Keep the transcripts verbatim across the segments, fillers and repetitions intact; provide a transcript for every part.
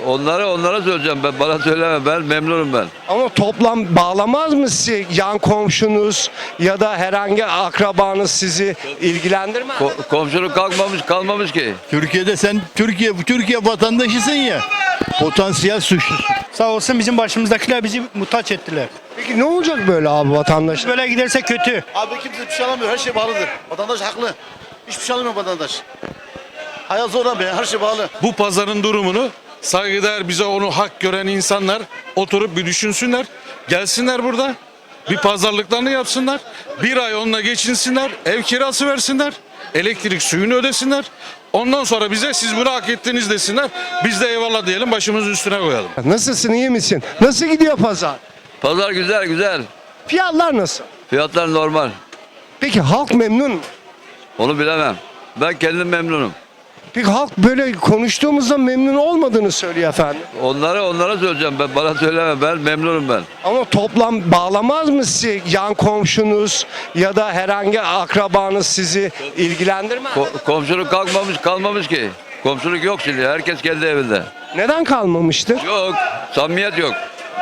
Onlara onlara söyleyeceğim ben. Bana söyleme, ben memnunum ben. Ama toplam bağlamaz mı sizi? Yan komşunuz ya da herhangi akrabanız sizi ilgilendirmez. Ko- komşuluk kalkmamış kalmamış ki. Türkiye'de sen Türkiye Türkiye vatandaşısın ya. Potansiyel suçlusun. Sağ olsun bizim başımızdakiler bizi muhtaç ettiler. Peki ne olacak böyle abi vatandaş? Böyle giderse kötü. Abi kimse bir şey alamıyor. Her şey bağlıdır. Vatandaş haklı. Hiçbir şey alamıyor vatandaş. Hayat zor abi. Her şey bağlı. Bu pazarın durumunu saygıdeğer bize onu hak gören insanlar oturup bir düşünsünler. Gelsinler burada. Bir pazarlıklarını yapsınlar. Bir ay onunla geçinsinler. Ev kirası versinler. Elektrik suyunu ödesinler. Ondan sonra bize siz bunu hak ettiniz desinler. Biz de eyvallah diyelim, başımızın üstüne koyalım. Nasılsın, iyi misin? Nasıl gidiyor pazar? Pazar güzel güzel. Fiyatlar nasıl? Fiyatlar normal. Peki halk memnun mu? Onu bilemem. Ben kendim memnunum. Peki halk böyle konuştuğumuzda memnun olmadığını söylüyor efendim. Onlara onlara söyleyeceğim ben. Bana söyleme, ben memnunum ben. Ama toplam bağlamaz mı sizi? Yan komşunuz ya da herhangi akrabanız sizi ilgilendirmez. Ko- komşuluk kalkmamış kalmamış ki. Komşuluk yok şimdi. Herkes kendi evinde. Neden kalmamıştır? Yok. Samimiyet yok.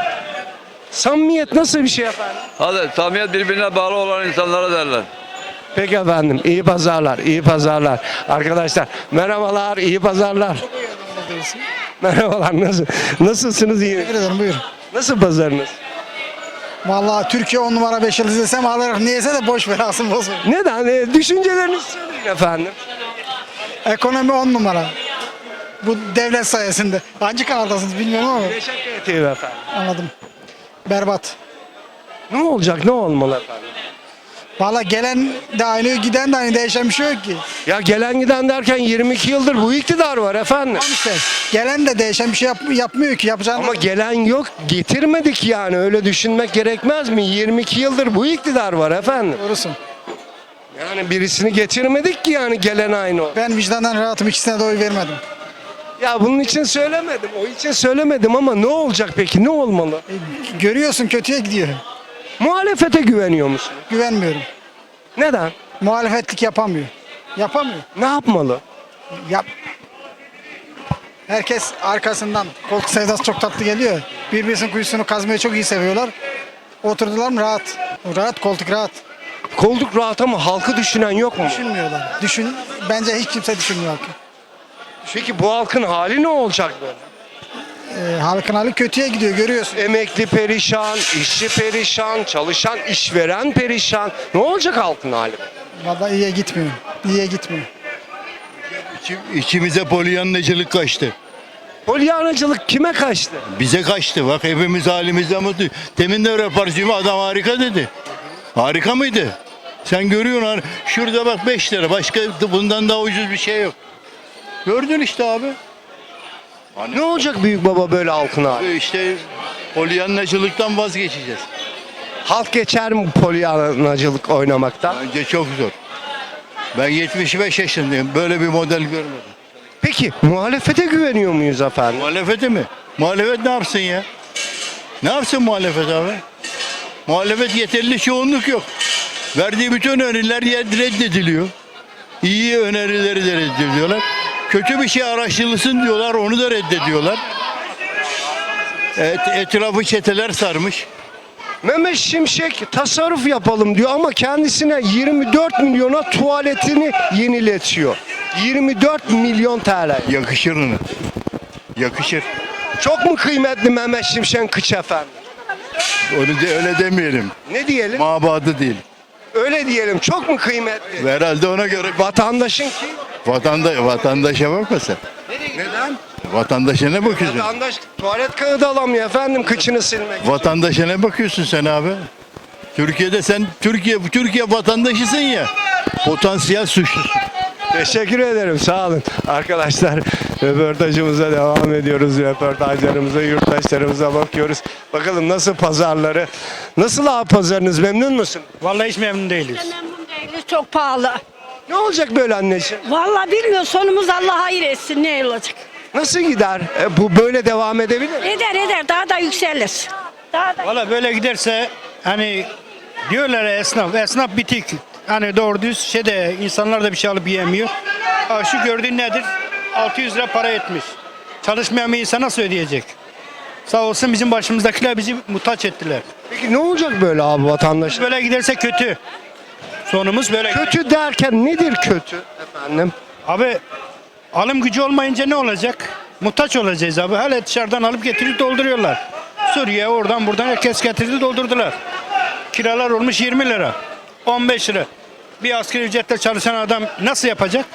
Samimiyet nasıl bir şey efendim? Hadi samimiyet birbirine bağlı olan insanlara derler. Peki efendim, iyi pazarlar, iyi pazarlar. Arkadaşlar merhabalar, iyi pazarlar. Merhabalar, nasıl, nasılsınız, iyi Teşekkür ederim, buyur. Nasıl pazarınız? Vallahi Türkiye on numara beş yıldız desem alırım. Niyeyse de boş ver, alsın bozma. Neden? E, düşüncelerinizi söyleyin efendim. Ekonomi on numara. Bu devlet sayesinde. Hangi kanaldasınız bilmiyorum ama Teşekkür ederim efendim. anladım. Berbat. Ne olacak, ne olmalı efendim? Vallahi gelen de aynı, giden de aynı, değişen bir şey yok ki. Ya gelen giden derken yirmi iki yıldır bu iktidar var efendim. Tamam işte. Gelen de değişen bir şey yap- yapmıyor ki. Yapacağını Ama gelen yok, getirmedik yani, öyle düşünmek gerekmez mi? yirmi iki yıldır bu iktidar var efendim. doğrusun. Yani birisini getirmedik ki yani gelen aynı o. Ben vicdandan rahatım. İkisine de oy vermedim. Ya bunun için söylemedim, o için söylemedim ama ne olacak peki, ne olmalı? E, görüyorsun kötüye gidiyor. Muhalefete güveniyor musun? Güvenmiyorum. Neden? Muhalefetlik yapamıyor. Yapamıyor. Ne yapmalı? Yap. Herkes arkasından. Koltuk sevdası çok tatlı geliyor. Birbirisinin kuyusunu kazmayı çok iyi seviyorlar. Oturdular mı rahat. Rahat, koltuk rahat. Koltuk rahat ama halkı düşünen yok mu? Düşünmüyorlar. Düşün, bence hiç kimse düşünmüyor halkı. Peki bu halkın hali ne olacak böyle? Ee, halkın hali kötüye gidiyor, görüyorsun. Emekli perişan, işçi perişan, çalışan, işveren perişan. Ne olacak halkın hali? Vallahi iyiye gitmiyor. İyiye gitmiyor. İçi- İçimize polyanlıcılık kaçtı. Polyanacılık kime kaçtı? Bize kaçtı. Bak hepimiz halimizden mutlu. Demin de röportajımı adam harika dedi. Harika mıydı? Sen görüyorsun har- şurada bak beş lira. Başka bundan daha ucuz bir şey yok. Gördün işte abi. Ne olacak büyük baba böyle halkın hali? İşte polyanlıcılıktan vazgeçeceğiz. Halk geçer mi polyanacılık oynamaktan? Bence çok zor. Ben yetmiş beş yaşındayım. Böyle bir model görmedim. Peki muhalefete güveniyor muyuz efendim? Muhalefete mi? Muhalefet ne yapsın ya? Ne yapsın muhalefet abi? Muhalefet yeterli çoğunluk yok. Verdiği bütün öneriler yer- reddediliyor. İyi önerileri de reddediyorlar. Kötü bir şey araştırılsın diyorlar, onu da reddediyorlar. Evet, etrafı çeteler sarmış. Mehmet Şimşek tasarruf yapalım diyor ama kendisine yirmi dört milyona tuvaletini yeniletiyor. yirmi dört milyon T L. Yakışır ona. Yakışır. Çok mu kıymetli Mehmet Şimşek'in kıç efendim? Onu de, öyle demeyelim. Ne diyelim? Mabadı değil. Öyle diyelim. Çok mu kıymetli? Herhalde ona göre Vatandaşın ki. Vatanda, vatandaşa bakma sen. Neden? Vatandaşa ne bakıyorsun? Vatandaş tuvalet kağıdı alamıyor efendim kıçını silmek için. Vatandaşa ne bakıyorsun sen abi? Türkiye'de sen Türkiye Türkiye vatandaşısın ya. Potansiyel suçlusun. Teşekkür ederim. Sağ olun. Arkadaşlar röportajımıza devam ediyoruz. Röportajlarımıza, yurttaşlarımıza bakıyoruz. Bakalım nasıl pazarları. Nasıl abi pazarınız? Memnun musun? Vallahi hiç memnun değiliz. Memnun değiliz, çok pahalı. Ne olacak böyle anneciğim? Vallahi bilmiyorum, sonumuz Allah hayır etsin, ne olacak. Nasıl gider? E, bu böyle devam edebilir mi? Eder eder, daha da yükselir. Daha da... Vallahi böyle giderse hani diyorlar ya esnaf, esnaf bitik. Hani doğru düz şeyde insanlar da bir şey alıp yiyemiyor. Ha, şu gördüğün nedir? altı yüz lira para etmiş. Çalışmayan bir insan nasıl ödeyecek? Sağ olsun bizim başımızdakiler bizi muhtaç ettiler. Peki ne olacak böyle abi vatandaş? Böyle giderse kötü. Sonumuz böyle. Kötü derken nedir kötü efendim? Abi alım gücü olmayınca ne olacak? Muhtaç olacağız abi. Hala dışarıdan alıp getirip dolduruyorlar. Suriye oradan buradan herkes getirdi doldurdular. Kiralar olmuş yirmi lira. on beş lira. Bir asgari ücretle çalışan adam nasıl yapacak?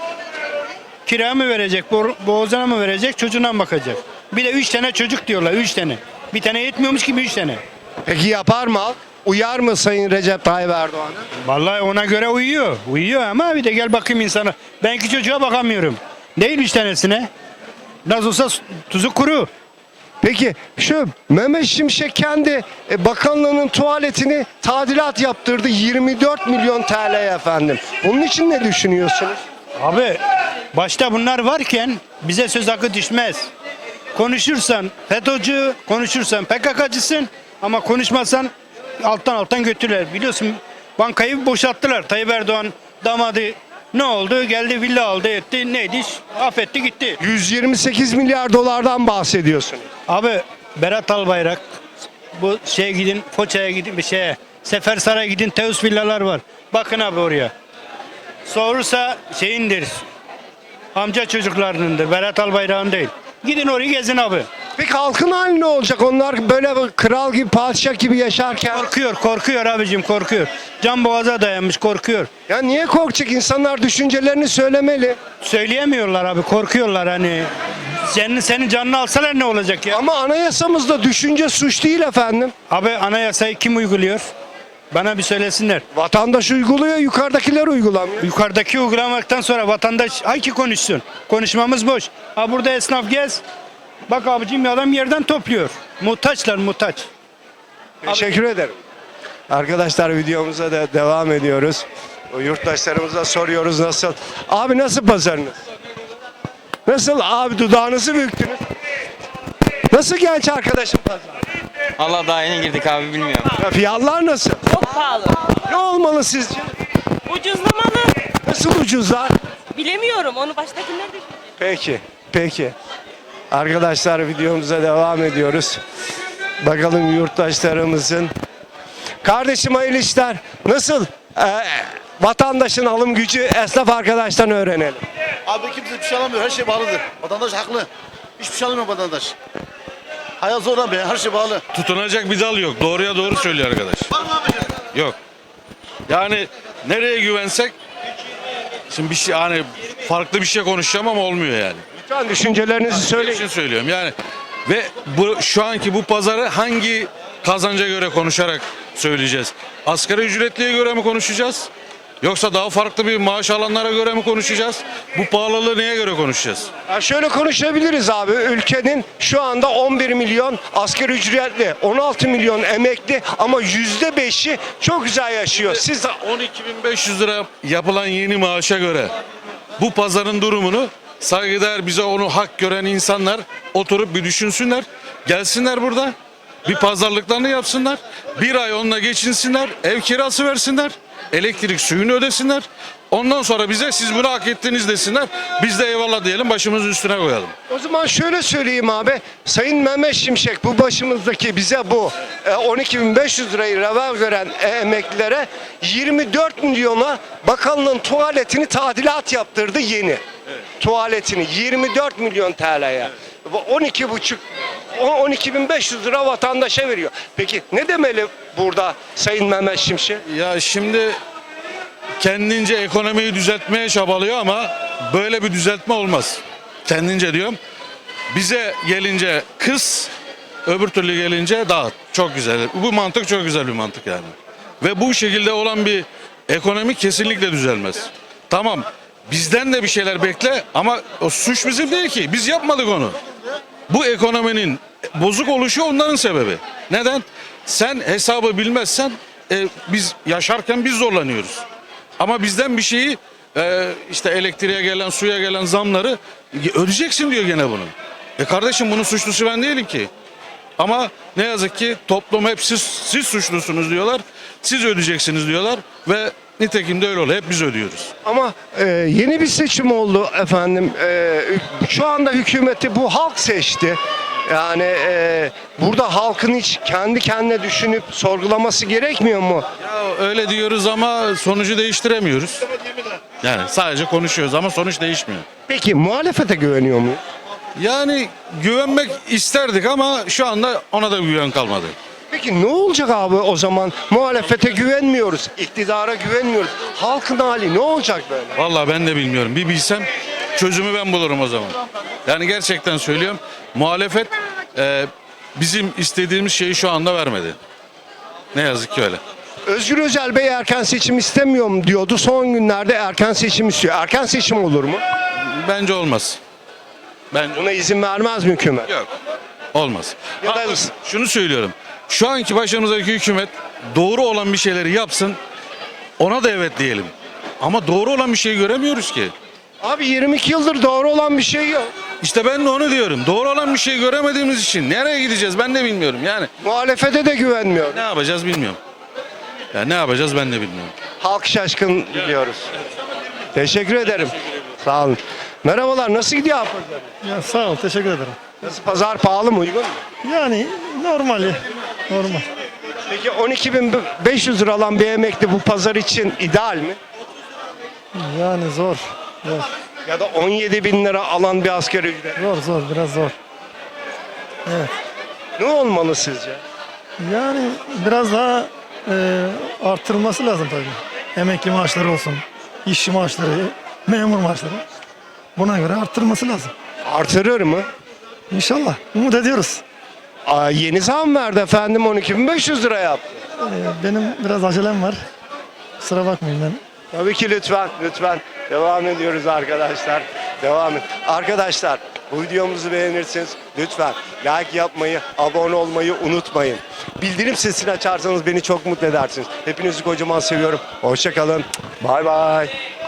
Kira mı verecek? bo- Boğazına mı verecek? Çocuğuna mı bakacak? Bir de üç tane çocuk diyorlar. Üç tane. Bir tane yetmiyormuş gibi üç tane. Peki yapar mı halk? Uyar mı Sayın Recep Tayyip Erdoğan'a? Vallahi ona göre uyuyor. Uyuyor ama bir de gel bakayım insana. Ben iki çocuğa bakamıyorum. Değil üç tanesine. Nasıl olsa su- tuzu kuru. Peki şu Mehmet Şimşek kendi e, bakanlığının tuvaletini tadilat yaptırdı yirmi dört milyon T L'ye efendim. Bunun için ne düşünüyorsunuz? Abi başta bunlar varken bize söz hakkı düşmez. Konuşursan FETÖ'cü, konuşursan P K K'cısın ama konuşmazsan alttan alttan götürürler. Biliyorsun bankayı boşalttılar. Tayyip Erdoğan damadı ne oldu? Geldi villa aldı etti. Neydi? Affetti gitti. yüz yirmi sekiz milyar dolardan bahsediyorsunuz. Abi Berat Albayrak bu şeye gidin Foça'ya gidin bir şeye Sefersaray'a gidin Teus villalar var. Bakın abi oraya. Sorursa şeyindir. Amca çocuklarınındır. Berat Albayrak'ın değil. Gidin orayı gezin abi. Peki halkın hali ne olacak? Onlar böyle kral gibi, padişah gibi yaşarken. Korkuyor, korkuyor abicim korkuyor. Can boğaza dayanmış korkuyor. Ya niye korkacak? İnsanlar düşüncelerini söylemeli. Söyleyemiyorlar abi korkuyorlar hani. Senin, senin canını alsalar ne olacak ya? Ama anayasamızda düşünce suç değil efendim. Abi anayasayı kim uyguluyor? Bana bir söylesinler. Vatandaş uyguluyor, yukarıdakiler uygulamıyor. Yukarıdaki uygulamaktan sonra vatandaş ay ki konuşsun. Konuşmamız boş. Ha burada esnaf gez. Bak abicim adam yerden topluyor. Muhtaçlar muhtaç. Teşekkür ederim. Arkadaşlar videomuza da devam ediyoruz. O yurttaşlarımıza soruyoruz nasıl. Abi nasıl pazarınız? Nasıl abi dudağınızı büktünüz? Nasıl genç arkadaşım pazar? Allah daha yeni girdik abi bilmiyorum. Ya fiyatlar nasıl? Çok pahalı. Ne olmalı sizce? Ucuzlamalı. Nasıl ucuzlar? Bilemiyorum. Onu baştakiler düşünecek. Peki, peki. Arkadaşlar videomuza devam ediyoruz. Bakalım yurttaşlarımızın. Kardeşim hayırlı işler. Nasıl? Ee, vatandaşın alım gücü esnaf arkadaştan öğrenelim. Abi kimse bir şey alamıyor. Her şey pahalıdır. Vatandaş haklı. Hiçbir şey alamıyor vatandaş. Hayat zor abi. Her şey pahalı. Tutunacak bir dal yok. Doğruya doğru söylüyor arkadaş. Var mı abi? Yok. Yani nereye güvensek şimdi bir şey hani farklı bir şey konuşacağım ama olmuyor yani. Lütfen düşüncelerinizi Söyleyin. söyleyin. için söylüyorum yani ve bu şu anki bu pazarı hangi kazanca göre konuşarak söyleyeceğiz? Asgari ücretliye göre mi konuşacağız? Yoksa daha farklı bir maaş alanlara göre mi konuşacağız? Bu pahalılığı neye göre konuşacağız? Ya şöyle konuşabiliriz abi. Ülkenin şu anda on bir milyon asgari ücretli, on altı milyon emekli ama yüzde beşi çok güzel yaşıyor. Siz on iki bin beş yüz lira yapılan yeni maaşa göre bu pazarın durumunu saygıdeğer bize onu hak gören insanlar oturup bir düşünsünler. Gelsinler burada bir pazarlıklarını yapsınlar. Bir ay onunla geçinsinler. Ev kirası versinler. Elektrik suyunu ödesinler. Ondan sonra bize siz bunu hak ettiniz desinler. Biz de eyvallah diyelim başımızın üstüne koyalım. o zaman şöyle söyleyeyim abi. Sayın Mehmet Şimşek bu başımızdaki bize bu e, on iki bin beş yüz lirayı reva gören e, emeklilere yirmi dört milyona bakanlığın tuvaletini tadilat yaptırdı yeni. Tuvaletini yirmi dört milyon T L'ye. on iki buçuk on iki bin beş yüz lira vatandaşa veriyor. Peki ne demeli burada Sayın Mehmet Şimşek? Ya şimdi kendince ekonomiyi düzeltmeye çabalıyor ama böyle bir düzeltme olmaz. Kendince diyorum. Bize gelince kız, öbür türlü gelince dağıt. Çok güzel. Bu mantık çok güzel bir mantık yani. Ve bu şekilde olan bir ekonomi kesinlikle düzelmez. Tamam. Bizden de bir şeyler bekle ama o suç bizim değil ki. Biz yapmadık onu. Bu ekonominin bozuk oluşu onların sebebi. Neden? Sen hesabı bilmezsen e, biz yaşarken biz zorlanıyoruz. Ama bizden bir şeyi e, işte elektriğe gelen, suya gelen zamları ödeyeceksin diyor gene bunu. E kardeşim bunun suçlusu ben değilim ki. Ama ne yazık ki toplum hep siz, siz suçlusunuz diyorlar. Siz ödeyeceksiniz diyorlar ve Nitekim de öyle oluyor. Hep biz ödüyoruz. Ama e, yeni bir seçim oldu efendim. E, şu anda hükümeti bu halk seçti. Yani e, burada halkın hiç kendi kendine düşünüp sorgulaması gerekmiyor mu? Ya öyle diyoruz ama sonucu değiştiremiyoruz. Yani sadece konuşuyoruz ama sonuç değişmiyor. Peki muhalefete güveniyor muyuz? Yani güvenmek isterdik ama şu anda ona da güven kalmadı. Peki ne olacak abi o zaman? Muhalefete güvenmiyoruz, iktidara güvenmiyoruz. Halkın hali ne olacak böyle? Vallahi ben de bilmiyorum. Bir bilsem çözümü ben bulurum o zaman. Yani gerçekten söylüyorum. Muhalefet e, bizim istediğimiz şeyi şu anda vermedi. Ne yazık ki öyle. Özgür Özel Bey erken seçim istemiyorum diyordu. Son günlerde erken seçim istiyor. Erken seçim olur mu? Bence olmaz. Bence Buna izin vermez mi hükümet? yok. Olmaz. Ya da- Ha, şunu söylüyorum. Şu anki başımızdaki hükümet doğru olan bir şeyleri yapsın. Ona da evet diyelim. Ama doğru olan bir şey göremiyoruz ki. Abi yirmi iki yıldır doğru olan bir şey yok. İşte ben de onu diyorum. Doğru olan bir şey göremediğimiz için nereye gideceğiz ben de bilmiyorum. Yani Muhalefete de güvenmiyor. ne yapacağız bilmiyorum. Ya ne yapacağız ben de bilmiyorum. Halk şaşkın diyoruz. Teşekkür ederim. Sağ olun. Merhabalar, nasıl gidiyor abi pazar? Ya sağ ol, teşekkür ederim. Nasıl, pazar pahalı mı, uygun mu? Yani normali, normal. Peki on iki bin beş yüz lira alan bir emekli bu pazar için ideal mi? Yani zor, zor, Ya da on yedi bin lira alan bir asgari ücret. zor, zor, biraz zor. Ne olmalı sizce? Yani biraz daha e, arttırılması lazım tabii. Emekli maaşları olsun, işçi maaşları, memur maaşları. Buna göre arttırılması lazım. Artırır mı? İnşallah, umut ediyoruz. Aa, yeni zam verdi efendim, on iki bin beş yüz lira yaptı. E, benim biraz acelem var. Kusura bakmayın ben. Tabii ki, lütfen, lütfen. Devam ediyoruz arkadaşlar. Devam et. Arkadaşlar, bu videomuzu beğenirseniz lütfen like yapmayı, abone olmayı unutmayın. Bildirim sesini açarsanız beni çok mutlu edersiniz. Hepinizi kocaman seviyorum. Hoşça kalın. Bay bay.